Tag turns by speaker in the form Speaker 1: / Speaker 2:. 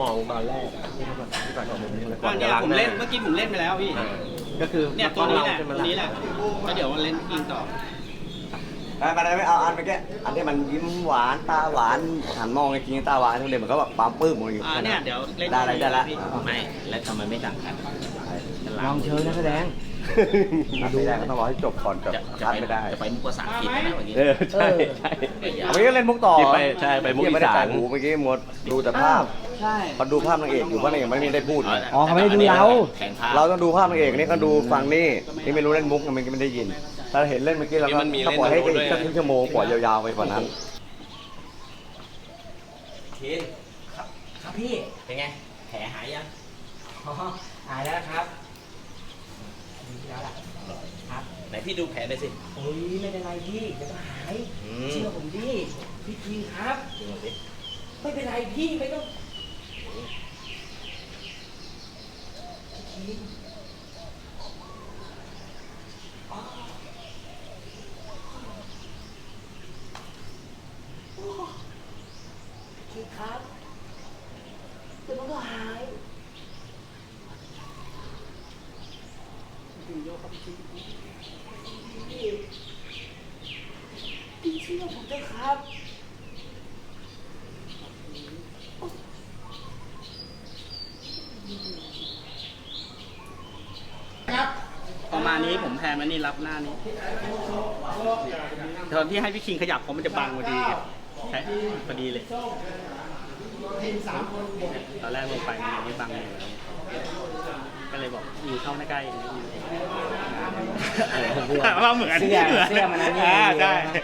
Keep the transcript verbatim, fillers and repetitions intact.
Speaker 1: มองตอนแรกที่ก่อนที่ก่อนผมนี่
Speaker 2: ก่อนเนี่ยผมเล่นเมื่อกี้ผมเล่นไปแล้วพี่
Speaker 1: ก็คือ
Speaker 2: เนี่ยตัวนี้แหละตัวนี้แหละก็เดี๋ยวเล่นกินต่อ
Speaker 3: ไปไปไม่เอาอันเมื่อกี้อันที่มันยิ้มหวานตาหวานหันมองจริงๆตาหวานทุกเด็กมันก็แบบปั๊มปื้มอยู่
Speaker 2: อ่าเนี่ยเดี๋ยวเล่น
Speaker 3: ได้อะไรได้ละ
Speaker 4: ไม่แล้วทำไมไม่สั่งกัน
Speaker 1: ลองเชิญนักแสดง
Speaker 3: ไม่ได้ก็ต้องรอให้จบก่อนกับ
Speaker 4: จะจะ
Speaker 3: คัด
Speaker 4: ไป
Speaker 3: ไม่ได้
Speaker 4: จะไปมุกภาษาอังกฤษนะเมื่อกี้
Speaker 3: เออใช่ใช่เมื่อกี้ก็เล่นมุกต่อ
Speaker 1: ที่ไปใช่ไปมุกอี
Speaker 3: ไม่ได้
Speaker 1: สา
Speaker 3: ใส่
Speaker 1: น
Speaker 3: หูเมื่อกี้หมดดูแต่ภาพ
Speaker 2: ใช่
Speaker 3: พอดูภาพนางเอกอยู่ว่านางเอกไม่ได้พูด
Speaker 1: อ๋อเขาไม่ได้ดูเรา
Speaker 4: แข่งภาพ
Speaker 3: เราต้องดูภาพนางเอกนี่ก็ดูฟังนี่นี่ไม่รู้เล่นมุกมันไม่ได้ยินถ้าเห็นเล่นเมื่อกี้เราก็ก็ปล่อยให้อีกสักครึ่งชั่วโมงปล่อยยาวๆไปกว่านั้น
Speaker 4: ทีนครับครับพี่เป็นไงแผลหายยัง
Speaker 5: หายแล้วครับดีแล้วล่ะครับ
Speaker 4: ไหนพี่ดูแผลหน่อยสิ
Speaker 5: โอ้ยไม่เป็นไรพี่เดี๋ยวก็หาย
Speaker 4: อืม
Speaker 5: เชื่อผมดิพี่คิงครับ
Speaker 4: ดูหน่อยสิ
Speaker 5: ไม่เป็นไรพี่ไม่ต้องพี่คิงอ๋อโอ้พี่คิงครับเดี๋ยวมันก็หายพี่พี่เชื่อผมเถอะครับ
Speaker 2: ประมาณนี้ผมแพนมานี่รับหน้านี้ตอนที่ให้พี่คิงขยับผมมันจะบังพอดีใช่พอดีเลยตอนแรกลงไปมันยังไม่บังเลยก็เลยบอกอยู่เข้าใกล้ๆว่าเหมือน
Speaker 5: เสื้อเสื้อมันอันนี้
Speaker 2: อ่าใช่
Speaker 5: ใช่